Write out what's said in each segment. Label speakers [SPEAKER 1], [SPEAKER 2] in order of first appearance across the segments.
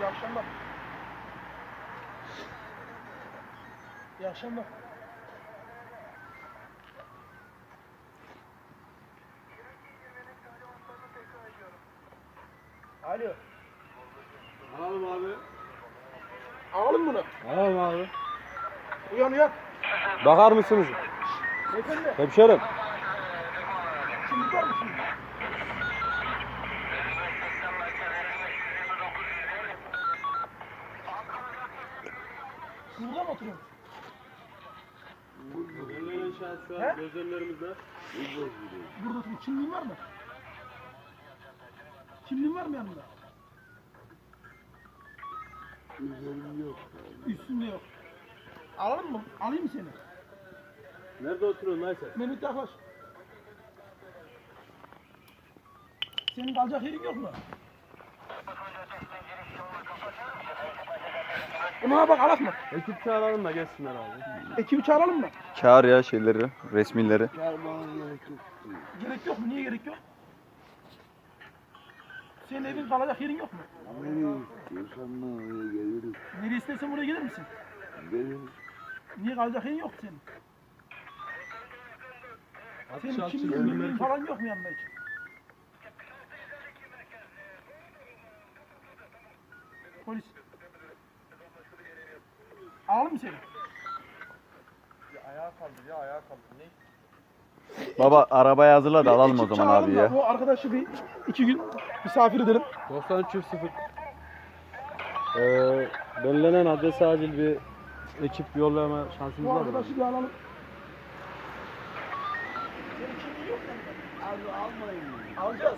[SPEAKER 1] İyi akşamlar. İyi akşamlar. Alo.
[SPEAKER 2] Alalım abi.
[SPEAKER 1] Alalım bunu.
[SPEAKER 2] Alalım abi.
[SPEAKER 1] Uyan uyan.
[SPEAKER 2] Bakar mısınız?
[SPEAKER 1] Beyefendi.
[SPEAKER 2] Hemşerim.
[SPEAKER 1] Şimdi var mı şimdi? Burada mı oturuyorsun?
[SPEAKER 2] Gözlerinin şu
[SPEAKER 1] He?
[SPEAKER 2] an gözlemlerimizde.
[SPEAKER 1] Burada oturuyorsun. Kimliğin var mı? Kimliğin var mı yanında?
[SPEAKER 3] Üzerim yok.
[SPEAKER 1] Üstünde yok. Alalım mı? Alayım mı seni?
[SPEAKER 2] Nerede oturuyorsun lan sen?
[SPEAKER 1] Mehmet yaklaş. Senin kalacak yerin yok mu? Buna bak alak mı?
[SPEAKER 2] Ekip çağıralım da gelsinler abi.
[SPEAKER 1] Ekibi çağıralım mı?
[SPEAKER 4] Çağır ya şeyleri, resmileri.
[SPEAKER 3] Çağırmana gerek yok.
[SPEAKER 1] Gerek yok mu? Niye gerek yok? Senin evin kalacak yerin yok mu?
[SPEAKER 3] Nereye istiyorsan ben oraya gelirim.
[SPEAKER 1] Nereye istersen buraya gelir misin?
[SPEAKER 3] Gelirim.
[SPEAKER 1] Niye kalacak yerin yok senin? Senin
[SPEAKER 2] Atış
[SPEAKER 1] kimliğin falan yok mu yanında hiç? Polis. Alalım mı seni?
[SPEAKER 2] Ayağa kaldır ya ayağa kaldır. Ne?
[SPEAKER 4] Baba arabayı hazırla da alalım o
[SPEAKER 1] Ekip
[SPEAKER 4] zaman
[SPEAKER 1] çağıralım
[SPEAKER 4] abi
[SPEAKER 1] da
[SPEAKER 4] ya.
[SPEAKER 1] Bu arkadaşı bir 2 gün misafir edelim.
[SPEAKER 2] 93.0 belirlenen adrese acil bir ekip yollama şansımız
[SPEAKER 1] Bu
[SPEAKER 2] var mı?
[SPEAKER 1] arkadaşı bir alalım. Senin kimliğin yok mu?
[SPEAKER 3] Abi almayın.
[SPEAKER 1] Alacağız.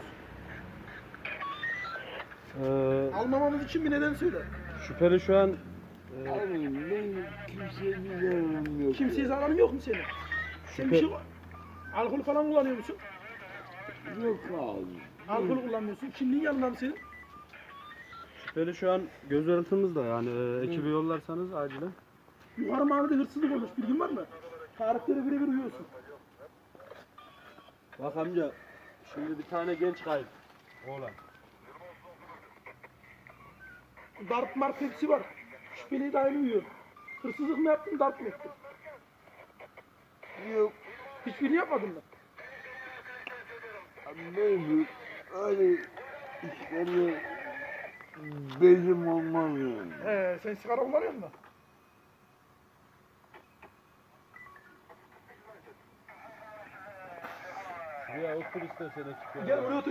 [SPEAKER 1] Almamamız için bir neden söyle.
[SPEAKER 2] Şüpheli şu an
[SPEAKER 3] Abi benim kimseye bir zararım yok.
[SPEAKER 1] Kimseye zararın yok mu senin? Sen bir şey alkol falan kullanıyor musun?
[SPEAKER 3] Yok abi.
[SPEAKER 1] Alkol kullanmıyorsun. Kimliğin yanında mı senin?
[SPEAKER 2] şüpheli şu an göz örüntümüzde yani ekibi yollarsanız acilen.
[SPEAKER 1] Yukarı mahallede hırsızlık olmuş. Bilgin var mı? Tarihlere birebir uyuyorsun.
[SPEAKER 2] Bak amca şimdi bir tane genç kayıp. Oğlan.
[SPEAKER 1] Darp marp hepsi var. Şüpheli dahil uyuyor. Hırsızlık mı yaptın, darp mı ettin?
[SPEAKER 3] Yok.
[SPEAKER 1] Hiçbirini yapmadın mı?
[SPEAKER 3] Abi benim öyle işlerle bezim olmaz yani.
[SPEAKER 1] Sen sigara kullanıyor musun?
[SPEAKER 2] Ya otur istersen ekip
[SPEAKER 1] Gel buraya otur.